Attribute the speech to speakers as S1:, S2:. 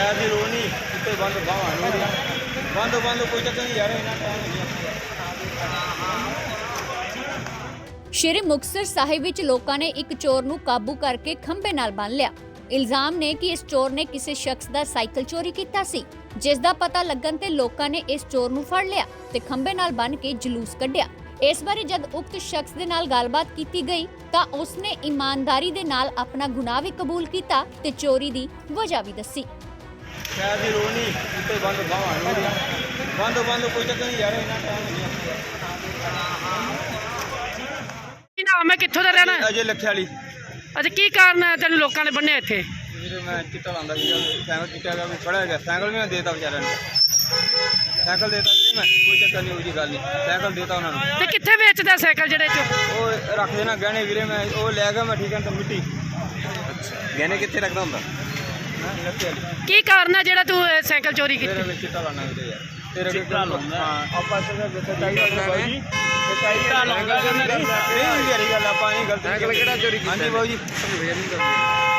S1: ਸ਼ਾਇਦ ਦੀ ਲੋੜ ਨਹੀਂ ਉੱਤੇ ਬੰਦ ਬਾਹਾਂ ਨੂੰ ਬੰਦ ਕੋਈ ਚੱਕਰ ਨਹੀਂ ਯਾਰ ਇਹਨਾਂ ਟਾਈਮ ਨਹੀਂ।
S2: ਸ਼੍ਰੀ ਮੁਕਤਸਰ ਸਾਹਿਬ ਵਿੱਚ ਲੋਕਾਂ ਨੇ ਇੱਕ ਚੋਰ ਨੂੰ ਕਾਬੂ ਕਰਕੇ ਖੰਭੇ ਨਾਲ ਬੰਨ੍ਹ ਲਿਆ। ਇਲਜ਼ਾਮ ਨੇ ਕਿ ਇਸ ਚੋਰ ਨੇ ਕਿਸੇ ਸ਼ਖਸ ਦਾ ਸਾਈਕਲ ਚੋਰੀ ਕੀਤਾ ਸੀ, ਜਿਸ ਦਾ ਪਤਾ ਲੱਗਣ ਤੇ ਲੋਕਾਂ ਨੇ ਇਸ ਚੋਰ ਨੂੰ ਫੜ ਲਿਆ ਤੇ ਖੰਭੇ ਨਾਲ ਬੰਨ੍ਹ ਕੇ ਜਲੂਸ ਕੱਢਿਆ। ਇਸ ਬਾਰੇ ਜਦ ਉਕਤ ਸ਼ਖਸ ਦੇ ਨਾਲ ਗੱਲਬਾਤ ਕੀਤੀ ਗਈ ਤਾਂ ਉਸਨੇ ਇਮਾਨਦਾਰੀ ਦੇ ਨਾਲ ਆਪਣਾ ਗੁਨਾਹ ਵੀ ਕਬੂਲ ਕੀਤਾ ਤੇ ਚੋਰੀ ਦੀ ਵਜ੍ਹਾ ਵੀ ਦੱਸੀ।
S1: ਸ਼ਾਇਦ ਦੀ ਲੋੜ ਨਹੀਂ ਉੱਤੇ ਬੰਦ ਬਾਹਾਂ ਨੂੰ ਬੰਦ ਕੋਈ ਚੱਕਰ ਨਹੀਂ ਯਾਰ ਇਹਨਾਂ ਟਾਈਮ ਨਹੀਂ।
S3: ਕੀ ਨਾਮ ਹੈ, ਕਿੱਥੋਂ ਦਾ ਰਹਿਣਾ?
S1: ਅਜੇ ਲੱਖੇ ਵਾਲੀ।
S3: ਅੱਛਾ, ਕੀ ਕਾਰਨ ਹੈ ਤੈਨੂੰ ਲੋਕਾਂ ਨੇ ਬੰਨਿਆ ਇੱਥੇ?
S1: ਵੀਰੇ ਮੈਂ ਚਿੱਟਾ ਲਾਉਂਦਾ ਸੀਗਾ, ਸਾਈਕਲ ਚਿੱਟਾ ਦਾ ਵੀ ਖੜਾ ਗਿਆ, ਸਾਈਕਲ ਵੀ ਮੈਂ ਦੇਤਾ ਵਿਚਾਰਿਆਂ ਨੂੰ, ਸਾਈਕਲ ਦੇਤਾ ਵੀਰੇ ਮੈਂ, ਕੋਈ ਚੱਕਰ ਨਹੀਂ, ਉਹਦੀ ਗੱਲ ਨਹੀਂ, ਸਾਈਕਲ ਦੇਤਾ ਉਹਨਾਂ ਨੂੰ।
S3: ਤੇ ਕਿੱਥੇ ਵੇਚਦਾ ਸਾਈਕਲ ਜਿਹੜੇ ਚੋਂ?
S1: ਉਹ ਰੱਖ ਦੇਣਾ ਗਹਿਣੇ ਵੀਰੇ, ਮੈਂ ਉਹ ਲੈ ਗਿਆ ਮੈਂ, ਠੀਕ ਹੈ ਤਾਂ ਮਿੱਟੀ।
S4: ਗਹਿਣੇ ਕਿੱਥੇ ਰੱਖਦਾ ਹੁੰਦਾ?
S1: ਲੱਖੇ ਵਾਲੀ।
S3: ਕੀ ਕਾਰਨ ਹੈ ਜਿਹੜਾ ਤੂੰ ਸਾਈਕਲ ਚੋਰੀ
S1: ਤੇਰੇ
S3: ਕੀਤੀ?
S1: ਵਿੱਚ ਚਿੱਟਾ ਲਾਉਣਾ ਵੀਰੇ ਯਾਰ, ਤੇਰੇ ਚਿੱਟਾ ਲਾਉਂਦਾ। ਹਾਂ ਆਪਾਂ ਜਿੱਥੇ ਚਾਹੀਦਾ ਬਾਈ ਜੀ, ਚਿੱਟਾ ਲਾਉਂਦਾ ਨਹੀਂ, ਯਾਰੀ ਗੱਲ ਆਪਾਂ ਨਹੀਂ ਗਲਤ।
S4: ਸਾਈਕਲ ਕਿਹੜਾ ਚੋਰੀ ਕੀਤਾ?
S1: ਹਾਂਜੀ ਬਾਊ ਜੀ।